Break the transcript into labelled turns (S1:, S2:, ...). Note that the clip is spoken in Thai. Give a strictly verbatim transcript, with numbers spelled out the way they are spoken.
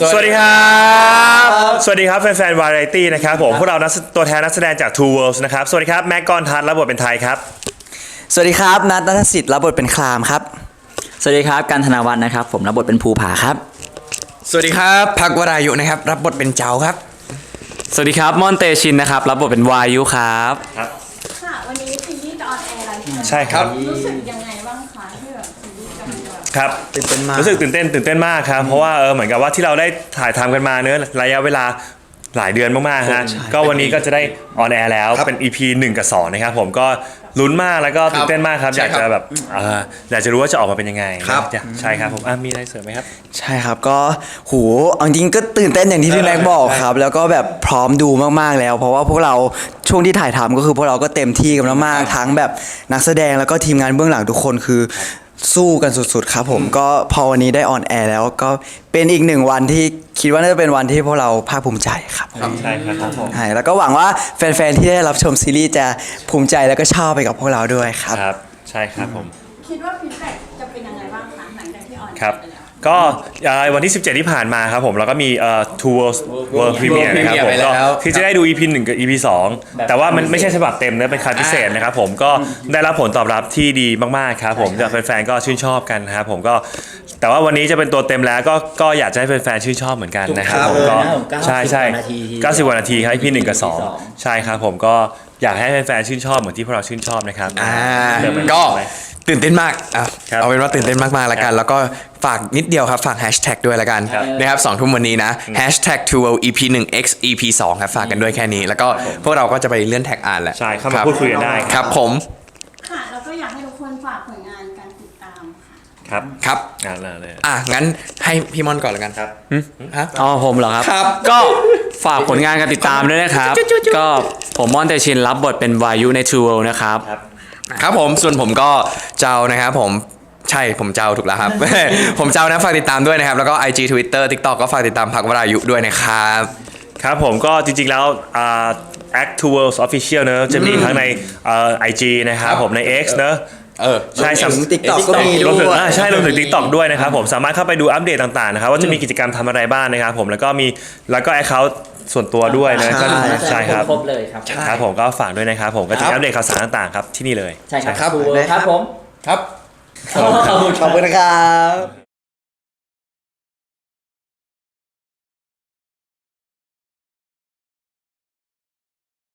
S1: สวัสดีครับสวัสดีครับแฟนๆวาไรตี้นะครับผมพวกเราตัวแทนนักแสดงจาก Two Worlds นะครับสวัสดีครับแม็กกอนทัศน์รับบทเป็นไทยครับ
S2: สวัสดีครับนัทนัทสิทธิ์รับบทเป็นคลามครับ
S3: สวัสดีครับกันธนวัฒน์นะครับผมรับบทเป็นภูผาครับ
S4: สวัสดีครับพักวรายุนะครับรับบทเป็นเจ้าครับ
S5: สวัสดีครับม่อนเตชินนะครับรับบทเป็นวายุครับ
S1: ครับ
S6: ค่ะวันนี้ซีรีส์จะออนแอร์แล้ว
S1: ใช่ครับ
S6: รู้สึกยังไงบ้างคะที่แบบซีรีส์กำลังแบบ
S1: ครับ
S2: ตื่นเต้นมาก
S1: รู้สึกตื่นเต้นตื่นเต้นมากครับเพราะว่าเออเหมือนกับว่าที่เราได้ถ่ายทำกันมาเนื้อระยะเวลาหลายเดือนมากๆฮะก็วันนี้ก็จะได้ออนแอร์แล้วเป็น อี พี หนึ่งกับสองนะครับผมก็ลุ้นมากแล้วก็ตื่นเต้นมากครับอยากจะแบบอยากจะรู้ว่าจะออกมาเป็นยังไง
S4: ครับ
S1: ใช่ครับผมมีอะไรเสริมไหมครับ
S2: ใช่ครับก็หูจริงก็ตื่นเต้นอย่างที่พี่แม็กบอกครับแล้วก็แบบพร้อมดูมากๆแล้วเพราะว่าพวกเราช่วงที่ถ่ายทำก็คือพวกเราก็เต็มที่กันมากๆทั้งแบบนักแสดงแล้วก็ทีมงานเบื้องหลังทุกคนคือสู้กันสุดๆครับผมก็พอวันนี้ได้ออนแอร์แล้วก็เป็นอีกหนึ่งวันที่คิดว่าน่าจะเป็นวันที่พวกเราภาคภูมิใจครับ
S1: ใช่ครับผม
S2: ใช่แล้วก็หวังว่าแฟนๆที่ได้รับชมซีรีส์จะภูมิใจแล้วก็ชอบไปกับพวกเราด้วยครับ
S1: ครับใช่ครับผม
S6: คิดว่าฟีดแบ็กจะเป็นยังไงบ้างคะหลังจากที่ออนแอร์
S1: ครับก็วันที่สิบเจ็ดที่ผ่านมาครับผมเราก็มีเอ่อ Two Worlds World Premiere นะครับผมก็ที่จะได้ดู อี พี หนึ่งกับ อี พี สองแต่ว่ามันไม่ใช่ฉบับเต็มนะเป็นคัดพิเศษนะครับผมก็ได้รับผลตอบรับที่ดีมากๆครับผมจากแฟนๆก็ชื่นชอบกันนะครับผมก็แต่ว่าวันนี้จะเป็นตัวเต็มแล้วก็ก็อยากจะให้แฟนๆชื่นชอบเหมือนกันนะครับผมก็ใช่ใช่เก้าสิบกว่านาทีครับ อี พี หนึ่งกับสองใช่ครับผมก็อยากให้แฟนๆชื่นชอบเหมือนที่พวกเราชื่นชอบนะครับ
S4: อ่าก็ตื่นเต้นมากอ่ะเอาเป็นว่าตื่นเต้นมากๆแล้วกันแล้วก็ฝากนิดเดียวครับฝากแฮชแท็กด้วยละกันนะครับสองทุ่มวันนี้นะแฮชแท็ก ทู เวิลด์ อี พี หนึ่ง x อี พี สองครับฝากกันด้วยแค่นี้แล้วก็พวกเราก็จะไปเลื่อนแท็กอ่านแหละ
S1: ใช่เข้ามาพูดคุยกันได้
S4: ครับผม
S6: ค่ะแล้วก็อยากให้ทุกคนฝากผลงานการติดตามค่ะ
S1: ครับ
S4: ครับ
S1: อ่าเลย
S4: อ่ะงั้นให้พี่มอนก่อนละกัน
S1: ครับ
S4: ฮะ
S5: อ๋อผมเหรอครับ
S4: ครับ
S5: ก็ฝากผลงานการติดตามด้วยนะครับก็ผมม่อนเตชินรับบทเป็นวายุใน Two Worlds นะครับ
S4: ครับผมส่วนผมก็เจ้านะครับผมใช่ผมเจ้าถูกแล้วครับ ผมเจ้านะฝากติดตามด้วยนะครับแล้วก็ ไอ จี Twitter TikTok ก็ฝากติดตามพักวรายุด้วยนะครับ
S1: ครับผมก็จริงๆแล้วอ่า Act Two Worlds Official เนอะจะมีทั้งในเอ่อ ไอ จี นะครับผมใน X เนอะ
S4: เออ
S2: ใช่สำหรับ TikTok ก็มี
S1: รวมถึงใช่รวมถึง TikTok ด้วยนะครับผมสามารถเข้าไปดูอัปเดตต่างๆนะครับว่าจะมีกิจกรรมทำอะไรบ้างนะครับผมแล้วก็มีแล้วก็ Account ส่วนตัวด้วยนะก็ใช่ครับ
S3: ครบเลยครับ
S1: ครับผมก็ฝากด้วยนะครับผมก็จะอัปเดตข่าวสารต่างๆครับที่นี่เลย
S3: ใช่ครับครับผม
S4: ครับ
S2: ขอบคุณนะครับ